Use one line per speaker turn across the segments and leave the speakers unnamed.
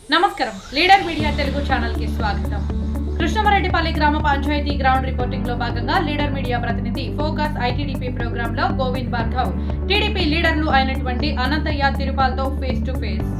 నమస్కారం, leader media Telugu channel కి స్వాగతం. కృష్ణమరెడ్డిపల్లి గ్రామ పంచాయతీ గ్రౌండ్ రిపోర్టింగ్ లో భాగంగా లీడర్ మీడియా ప్రతినిధి ఫోకస్ ఐటీడీపీ ప్రోగ్రామ్ లో గోవింద్ భార్గవ్ టీడీపీ లీడర్లు అయినటువంటి అనంతయ్య తిరుపాల్తో face to face.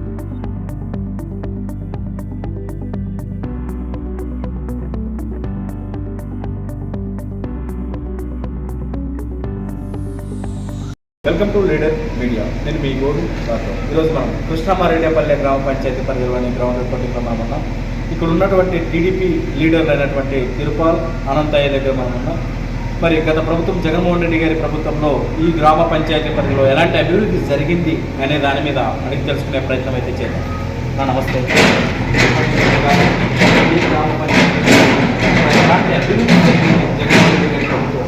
Welcome to leader media. నేను మీ గోవింద్ భార్గవ్. ఈరోజు మనం కృష్ణమరెడ్డిపల్లి గ్రామ పంచాయతీ పరిధిలోని గ్రౌండ్ రిపోర్టింగ్లో మనం ఉన్నాం. ఇక్కడ ఉన్నటువంటి టీడీపీ లీడర్లు అయినటువంటి తిరుపాల్, అనంతయ్య దగ్గర మనం ఉన్నాం. మరి గత ప్రభుత్వం జగన్మోహన్ రెడ్డి గారి ప్రభుత్వంలో ఈ గ్రామ పంచాయతీ పరిధిలో ఎలాంటి అభివృద్ధి జరిగింది అనే దాని మీద అడిగి తెలుసుకునే ప్రయత్నం అయితే చేద్దాం. నమస్తే. ఈ గ్రామ పంచాయతీ ఎలాంటి అభివృద్ధి జరిగింది జగన్మోహన్ రెడ్డి గారి ప్రభుత్వం?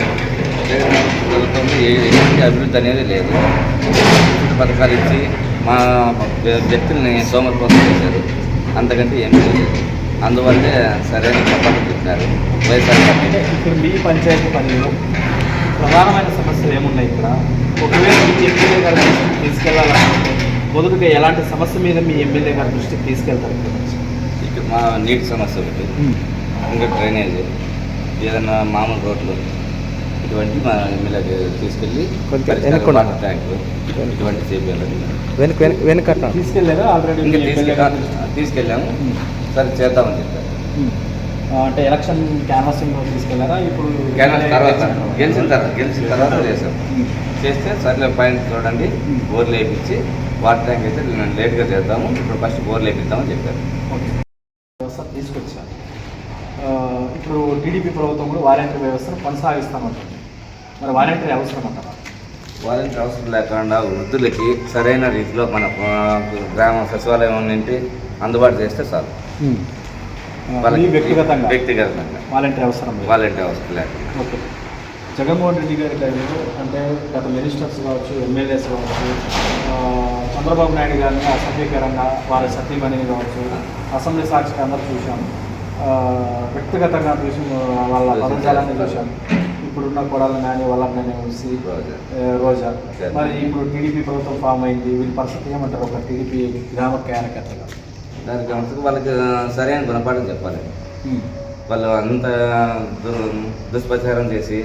ఎటువంటి అభివృద్ధి అనేది లేదు. పథకాలు ఇచ్చి మా వ్యక్తుల్ని సోమరిపోతం చేశారు, అంతకంటే ఏమీ లేదు. అందువల్లే సరైన పథకాలు చెప్పినారు వైఎస్ఆర్.
ఇప్పుడు మీ పంచాయతీ పనిలో ప్రధానమైన సమస్యలు ఏమున్నాయి? ఇక్కడ ఒకవేళ మీ ఎమ్మెల్యే గారి దృష్టికి తీసుకెళ్లాలంటే మొదటిగా ఎలాంటి సమస్య మీద మీ ఎమ్మెల్యే గారి దృష్టికి తీసుకెళ్తారు?
ఇక్కడ మా నీటి సమస్య ఒకటి, ఇంకా డ్రైనేజ్, ఏదైనా మామూలు రోడ్లు, ఇటువంటి మా ఎమ్మెల్యేకి తీసుకెళ్ళి వాటర్ ట్యాంకు ఇటువంటి చేయాలి.
తీసుకెళ్ళారా? ఆల్రెడీ
తీసుకెళ్ళాము, సరే చేద్దామని చెప్పారు.
అంటే ఎలక్షన్ క్యాన్వాసింగ్ తీసుకెళ్లారా? ఇప్పుడు
గెలిచిన తర్వాత చేసాం. చేస్తే సర్లే పైన చూడండి, బోర్లు వేయించి వాటర్ ట్యాంక్ అయితే లేట్గా చేద్దాము, ఇప్పుడు ఫస్ట్ బోర్లు వేపిద్దామని చెప్పారు.
వ్యవస్థ తీసుకొచ్చారు. ఇప్పుడు టీడీపీ ప్రభుత్వం కూడా వాలంటీర్ వ్యవస్థను కొనసాగిస్తామంటుంది. మరి వాలంటీర్ అవసరం అంటారా?
వాలంటీర్ అవసరం లేకుండా వృద్ధులకి సరైన రీతిలో మన గ్రామ సచివాలయం నుండి అందుబాటు చేస్తే చాలు. వ్యక్తిగతంగా
వాలంటీర్ అవసరం
లేకుండా.
ఓకే. జగన్మోహన్ రెడ్డి గారి టైంలో అంటే గత మినిస్టర్స్ కావచ్చు, ఎమ్మెల్యేస్ కావచ్చు, చంద్రబాబు నాయుడు గారిని అసభ్యకరంగా వారి సతీమణిని కావచ్చు అసెంబ్లీ సాక్షిగా అందరూ చూసాము. వ్యక్తిగతంగా చూసి వాళ్ళ పదజాలాన్ని చూశాము. ఇప్పుడున్న కొడాలను కానీ వాళ్ళని కానీ చూసి రోజా. మరి ఇప్పుడు టీడీపీ ప్రభుత్వం ఫామ్ అయింది, వీళ్ళ పరిస్థితి ఏమంటారు? ఒక టీడీపీ గ్రామ కార్యకర్తగా
దానికి వాళ్ళకి సరైన గుణపాఠం చెప్పాలి. వాళ్ళు అంత దుష్ప్రచారం చేసి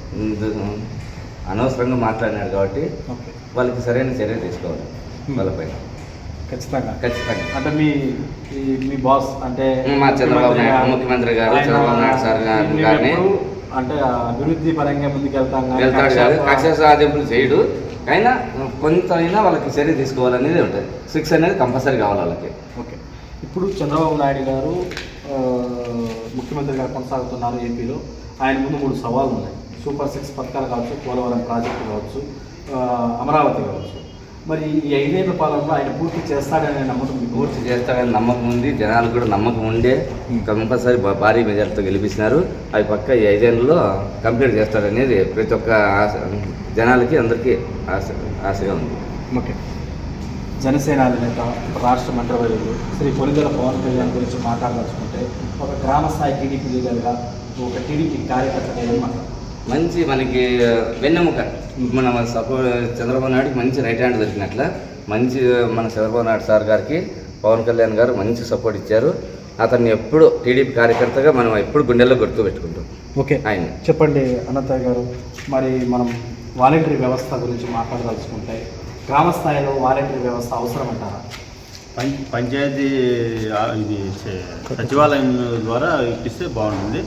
అనవసరంగా మాట్లాడినారు కాబట్టి వాళ్ళకి సరైన చర్య తీసుకోవాలి వాళ్ళపైన.
ఖచ్చితంగా.
అంటే
మీ బాస్ అంటే
మా చంద్రబాబు నాయుడు ముఖ్యమంత్రి గారు, చంద్రబాబు నాయుడు సార్ గారిని
అంటే అభివృద్ధి పరంగా
వెళ్తాడు కాదు, కక్ష సాధింపులు చేయడు. అయినా కొంత అయినా వాళ్ళకి చర్య తీసుకోవాలనేది ఉంటుంది. 6 అనేది కంపల్సరీ కావాలి వాళ్ళకి.
ఓకే. ఇప్పుడు చంద్రబాబు నాయుడు గారు ముఖ్యమంత్రిగా కొనసాగుతున్నారు ఏపీలో. ఆయన ముందు 3 సవాళ్ళు ఉన్నాయి. సూపర్ 6 పథకాలు కావచ్చు, పోలవరం ప్రాజెక్టు కావచ్చు, అమరావతి కావచ్చు. మరి ఈ 5 ఏళ్ల పాలనలో ఆయన పూర్తి చేస్తాడనే నమ్మకం?
పూర్తి చేస్తాడని నమ్మకం ఉంది. జనాలు కూడా నమ్మకం ఉండే కంపల్సరీ భారీ మెజార్టీతో గెలిపించినారు. అవి పక్క ఈ 5 ఏళ్ళలో కంప్లీట్ చేస్తాడనేది ప్రతి ఒక్క జనాలకి అందరికీ ఆశగా ఉంది.
ఓకే. జనసేన అధినేత రాష్ట్ర మంత్రివర్యులు శ్రీ కొనిదెల పవన్ కళ్యాణ్ గురించి మాట్లాడాల్సుకుంటే ఒక గ్రామ స్థాయి టీడీపీ లీడర్గా, ఒక టీడీపీ కార్యకర్తగా ఏం మాట్లాడారు?
మంచి మనకి వెన్నెముక. మన చంద్రబాబు నాయుడుకి మంచి రైట్ హ్యాండ్ దొరికినట్ల మంచి మన చంద్రబాబు నాయుడు సార్ గారికి పవన్ కళ్యాణ్ గారు మంచి సపోర్ట్ ఇచ్చారు. అతన్ని ఎప్పుడు టీడీపీ కార్యకర్తగా మనం ఎప్పుడు గుండెల్లో గుర్తుపెట్టుకుంటాం.
ఓకే. ఆయన చెప్పండి అనంతయ్య గారు, మరి మనం వాలంటరీ వ్యవస్థ గురించి మాట్లాడదలుచుకుంటే గ్రామ స్థాయిలో వాలంటరీ వ్యవస్థ అవసరం అంటారా?
పంచాయతీ ఇది సచివాలయం ద్వారా ఇప్పిస్తే బాగుంటుంది.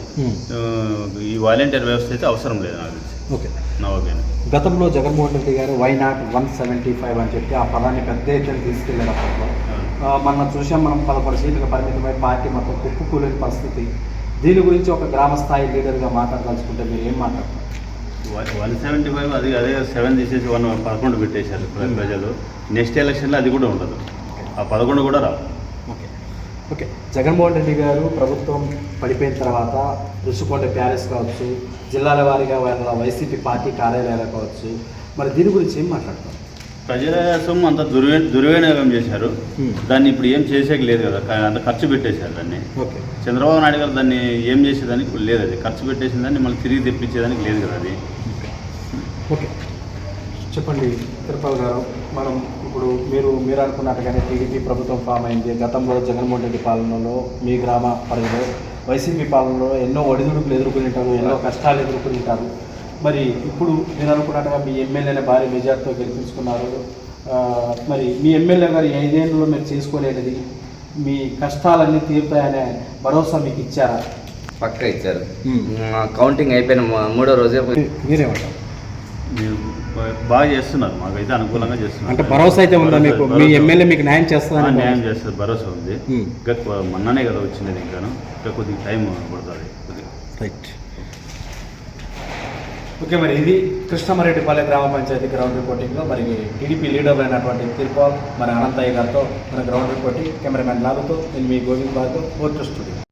ఈ వాలంటీర్ వ్యవస్థ అయితే అవసరం లేదు నాకు తెలిసి.
ఓకే.
నా ఒపీనియన్.
గతంలో జగన్మోహన్ రెడ్డి గారు వై నాట్ 175 అని చెప్పి ఆ పదాన్ని పెద్ద ఎత్తున తీసుకెళ్లేటప్పుడు మనం చూసాం. మనం 11 సీట్లకు పరిమితమై పార్టీ మొత్తం కుప్పకూలేని పరిస్థితి. దీని గురించి ఒక గ్రామ స్థాయి లీడర్గా మాట్లాడాల్సుకుంటే మీరు ఏం మాట్లాడతారు?
175 అదే 7 తీసేసి 11 పెట్టేశారు ప్రజలు. నెక్స్ట్ ఎలక్షన్లో అది కూడా ఉండదు, ఆ 11 కూడా రాదు.
ఓకే. జగన్మోహన్ రెడ్డి గారు ప్రభుత్వం పడిపోయిన తర్వాత రుషికొండ ప్యాలెస్ కావచ్చు, జిల్లాల వారీగా వాళ్ళ వైసీపీ పార్టీ కార్యాలయాలు కావచ్చు, మరి దీని గురించి ఏం మాట్లాడతారు?
ప్రజల సొమ్ము అంత దుర్వినియోగం చేశారు. దాన్ని ఇప్పుడు ఏం చేసేకి లేదు కదా, అంత ఖర్చు పెట్టేశారు దాన్ని.
ఓకే.
చంద్రబాబు నాయుడు గారు దాన్ని ఏం చేసేదానికి లేదు, అది ఖర్చు పెట్టేసిన దాన్ని మళ్ళీ తిరిగి తెప్పించేదానికి లేదు కదా అది.
ఓకే. చెప్పండి తిరుపతి గారు, మనం ఇప్పుడు మీరు అనుకున్నట్టుగానే టీడీపీ ప్రభుత్వం ఫామ్ అయింది. గతంలో జగన్మోహన్ రెడ్డి పాలనలో మీ గ్రామ పరిధిలో వైసీపీ పాలనలో ఎన్నో ఒడిదుడుకులు ఎదుర్కొని ఉంటారు, ఎన్నో కష్టాలు ఎదుర్కొని ఉంటారు. మరి ఇప్పుడు మీరు అనుకున్నట్టుగా మీ ఎమ్మెల్యేని భారీ మెజార్టీతో గెలిపించుకున్నారు. మరి మీ ఎమ్మెల్యే గారు 5 ఏళ్ళలో మీరు చేసుకోలేనిది, మీ కష్టాలన్నీ తీరుతాయనే భరోసా మీకు ఇచ్చారా?
పక్కా ఇచ్చారు. కౌంటింగ్ అయిపోయిన 3వ రోజే
మీరేమంటారు?
మీరు బాగా చేస్తున్నారు, మాకైతే అనుకూలంగా చేస్తున్నారు.
అంటే భరోసా అయితే ఉందా మీకు? మీ ఎమ్మెల్యే మీకు న్యాయం చేస్తారని?
న్యాయం చేస్తుంది, భరోసా ఉంది. ఇంకా మొన్ననే కదా వచ్చినది, ఇంకా కొద్దిగా టైం పడుతుంది కొద్దిగా.
రైట్. ఓకే, మరి ఇది కృష్ణమారెడ్డిపాలెం గ్రామ పంచాయతీ గ్రౌండ్ రిపోర్టింగ్లో మరి టీడీపీ లీడర్లు అయినటువంటి తిరుపాల్, మరి అనంతయ్య గారితో మన గ్రౌండ్ రిపోర్టింగ్ కెమెరామెన్ లాలుతో నేను మీ గోవింద్ బాబుతో ఓటు స్టూడియో.